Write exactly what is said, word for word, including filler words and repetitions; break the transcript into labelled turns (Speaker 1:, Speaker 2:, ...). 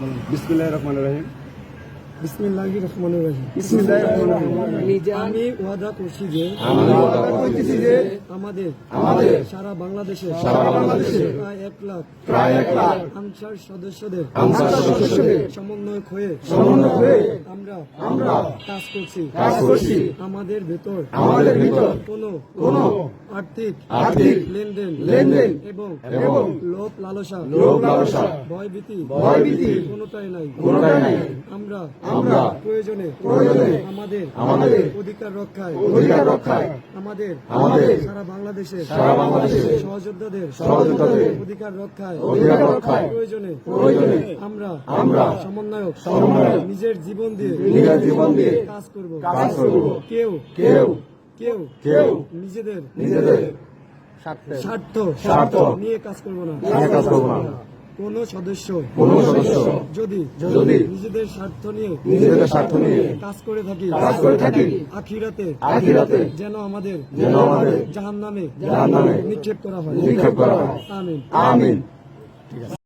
Speaker 1: বিসমিল্লাহির রহমানির রহিম।
Speaker 2: বিসমিল্লাহির রহমানির রহিম।
Speaker 1: বিসমিল্লাহির রহমানির রহিম।
Speaker 2: আমি ওয়াদা করছি যে
Speaker 1: আমি ওয়াদা করতেছি যে
Speaker 2: আমাদের
Speaker 1: আমাদের
Speaker 2: সারা বাংলাদেশে
Speaker 1: সারা বাংলাদেশে
Speaker 2: প্রায় এক লাখ
Speaker 1: প্রায় এক লাখ
Speaker 2: আনসার সদস্যদের
Speaker 1: আনসার সদস্যদের
Speaker 2: সমন্বয় হয়ে
Speaker 1: সমন্বয় হয়ে
Speaker 2: আমরা
Speaker 1: আমরা
Speaker 2: কাজ করছি
Speaker 1: কাজ করছি।
Speaker 2: আমাদের ভেতর
Speaker 1: আমাদের ভিতর
Speaker 2: কোনো
Speaker 1: কোনো
Speaker 2: আর্থিক
Speaker 1: আর্থিক
Speaker 2: লেনদেন
Speaker 1: লেনদেন
Speaker 2: এবং
Speaker 1: এবং
Speaker 2: লোভ লালসা
Speaker 1: লোভ লালসা
Speaker 2: ভয়ভীতি
Speaker 1: ভয়ভীতি
Speaker 2: কোনোটাই নাই
Speaker 1: কোনোটাই নাই।
Speaker 2: আমরা
Speaker 1: আমরা
Speaker 2: প্রয়োজনে
Speaker 1: প্রয়োজনে
Speaker 2: আমাদের
Speaker 1: আমাদের
Speaker 2: অধিকার রক্ষায়
Speaker 1: অধিকার রক্ষায়
Speaker 2: আমাদের
Speaker 1: আমাদের
Speaker 2: সারা বাংলাদেশের
Speaker 1: সারা বাংলাদেশের
Speaker 2: সহযোদ্ধাদের
Speaker 1: সহযোদ্ধাদের
Speaker 2: অধিকার রক্ষায়
Speaker 1: অধিকার রক্ষায়
Speaker 2: প্রয়োজনে
Speaker 1: প্রয়োজনে
Speaker 2: আমরা
Speaker 1: আমরা
Speaker 2: সমন্বয়ক
Speaker 1: সমন্বয়ক
Speaker 2: নিজের জীবন দিয়ে
Speaker 1: নিজের জীবন দিয়ে
Speaker 2: কাজ করব
Speaker 1: কাজ করব।
Speaker 2: কেউ
Speaker 1: কেউ
Speaker 2: কেউ
Speaker 1: কেউ
Speaker 2: নিজেদের
Speaker 1: নিজেদের
Speaker 2: স্বার্থ
Speaker 1: স্বার্থ
Speaker 2: নিয়ে কাজ করব না
Speaker 1: নিয়ে কাজ করব না।
Speaker 2: কোন সদস্য
Speaker 1: কোন সদস্য
Speaker 2: যদি
Speaker 1: যদি
Speaker 2: নিজেদের স্বার্থ নিয়ে
Speaker 1: নিজেদের স্বার্থ নিয়ে
Speaker 2: কাজ করে থাকি
Speaker 1: কাজ করে থাকি
Speaker 2: আখিরাতে
Speaker 1: আখিরাতে
Speaker 2: যেন আমাদের
Speaker 1: যেন আমাদের
Speaker 2: জাহান্নামে
Speaker 1: জাহান্নামে
Speaker 2: নিক্ষেপ করা হয়
Speaker 1: নিক্ষেপ করা হয়।
Speaker 2: আমিন
Speaker 1: আমিন।